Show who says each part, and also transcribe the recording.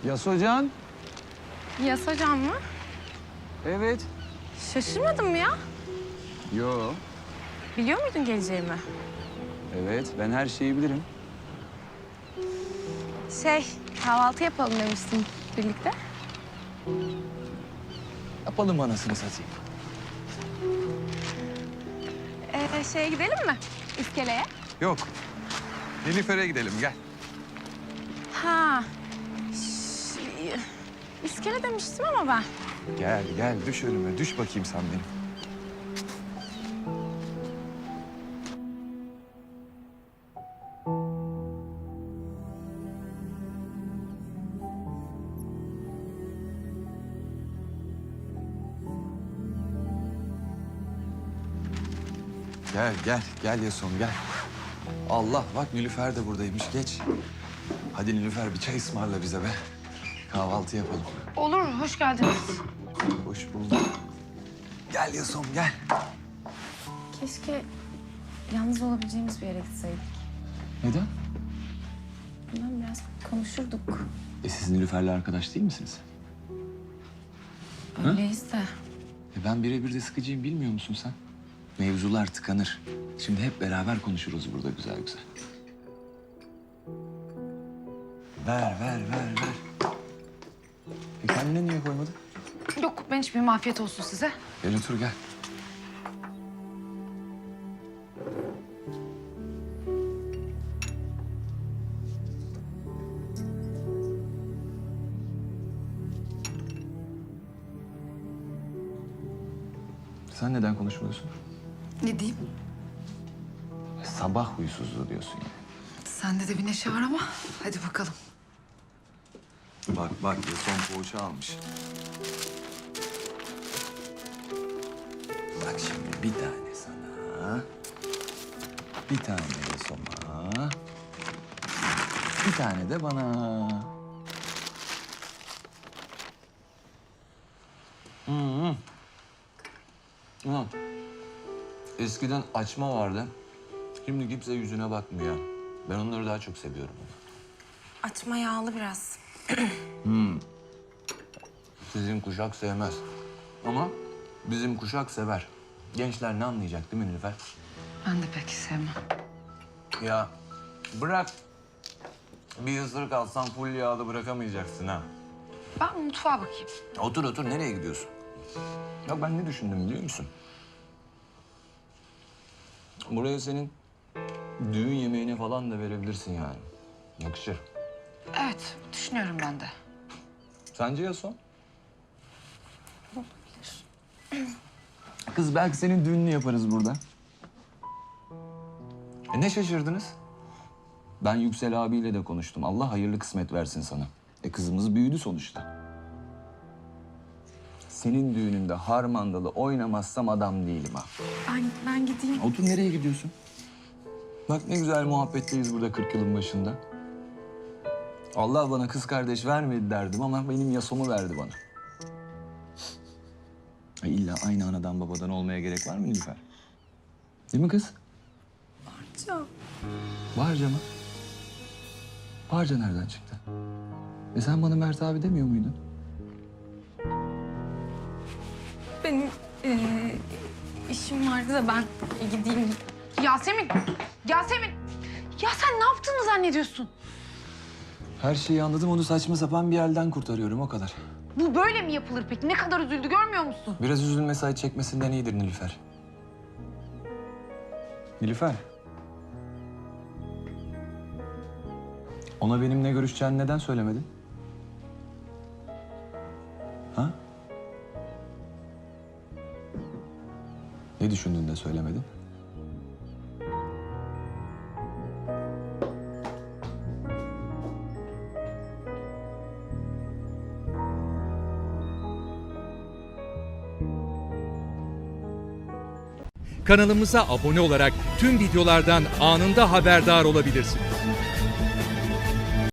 Speaker 1: Yas hocam.
Speaker 2: Yas hocam mı?
Speaker 1: Evet.
Speaker 2: Şaşırmadın mı ya?
Speaker 1: Yo.
Speaker 2: Biliyor muydun geleceğimi?
Speaker 1: Evet, ben her şeyi bilirim.
Speaker 2: Kahvaltı yapalım demiştin birlikte.
Speaker 1: Yapalım anasını satayım.
Speaker 2: Gidelim mi? İskeleye.
Speaker 3: Yok. Nilüfer'e gidelim gel.
Speaker 2: Ha. İskele demiştim ama ben.
Speaker 3: Gel gel düş önüme düş bakayım sen benim. Gel Yason gel. Allah bak Nilüfer de buradaymış geç. Hadi Nilüfer bir çay ısmarla bize be. Kahvaltı yapalım.
Speaker 2: Olur, hoş geldiniz.
Speaker 3: Hoş bulduk. Gel Yason gel.
Speaker 2: Keşke yalnız olabileceğimiz bir yere gitseydik.
Speaker 1: Neden?
Speaker 2: Bundan biraz konuşurduk.
Speaker 1: Siz Nilüfer'le arkadaş değil misiniz?
Speaker 2: Öyleyiz de.
Speaker 1: Ben birebir de sıkıcıyım bilmiyor musun sen? Mevzular tıkanır. Şimdi hep beraber konuşuruz burada güzel güzel. Ver. Kendine niye koymadın?
Speaker 2: Yok, ben hiçbir afiyet olsun size.
Speaker 1: Gel otur gel. Sen neden konuşmuyorsun?
Speaker 4: Ne diyeyim?
Speaker 1: Sabah huysuzluğu diyorsun yani.
Speaker 4: Sende de bir neşe var ama hadi bakalım.
Speaker 3: Bak Yason poğaça almış.
Speaker 1: Bak şimdi bir tane sana. Bir tane Yason'a. Bir tane de bana. Ulan eskiden açma vardı. Şimdi kimse yüzüne bakmıyor. Ben onları daha çok seviyorum.
Speaker 2: Açma yağlı biraz.
Speaker 1: Sizin kuşak sevmez. Ama bizim kuşak sever. Gençler ne anlayacak değil mi Nilüfer?
Speaker 4: Ben de pek sevmem.
Speaker 1: Ya bırak. Bir ısırık alsan full yağda bırakamayacaksın ha.
Speaker 4: Ben mutfağa bakayım.
Speaker 1: Otur nereye gidiyorsun? Ya ben ne düşündüm biliyor musun? Buraya senin düğün yemeğine falan da verebilirsin yani. Yakışır.
Speaker 4: Evet, düşünüyorum ben de.
Speaker 1: Sence Yason? Kız belki senin düğününü yaparız burada. Ne şaşırdınız? Ben Yüksel abiyle de konuştum. Allah hayırlı kısmet versin sana. Kızımız büyüdü sonuçta. Senin düğününde harmandalı oynamazsam adam değilim ha.
Speaker 2: Ben gideyim.
Speaker 1: Otur nereye gidiyorsun? Bak ne güzel muhabbetteyiz burada 40 yılın başında. Allah bana kız kardeş vermedi derdim ama benim Yasom'u verdi bana. İlla aynı anadan babadan olmaya gerek var mı Nilüfer? Değil mi kız?
Speaker 2: Barca.
Speaker 1: Barca mı? Barca nereden çıktı? Sen bana Mert abi demiyor muydun?
Speaker 2: Benim işim vardı da ben gideyim. Yasemin! Yasemin! Ya sen ne yaptığını zannediyorsun?
Speaker 1: Her şeyi anladım, onu saçma sapan bir elden kurtarıyorum, o kadar.
Speaker 2: Bu böyle mi yapılır peki? Ne kadar üzüldü görmüyor musun?
Speaker 1: Biraz üzülmesi acı çekmesinden iyidir Nilüfer. Nilüfer. Ona benimle görüşeceğini neden söylemedin? Ha? Ne düşündün de söylemedin?
Speaker 5: Kanalımıza abone olarak tüm videolardan anında haberdar olabilirsiniz.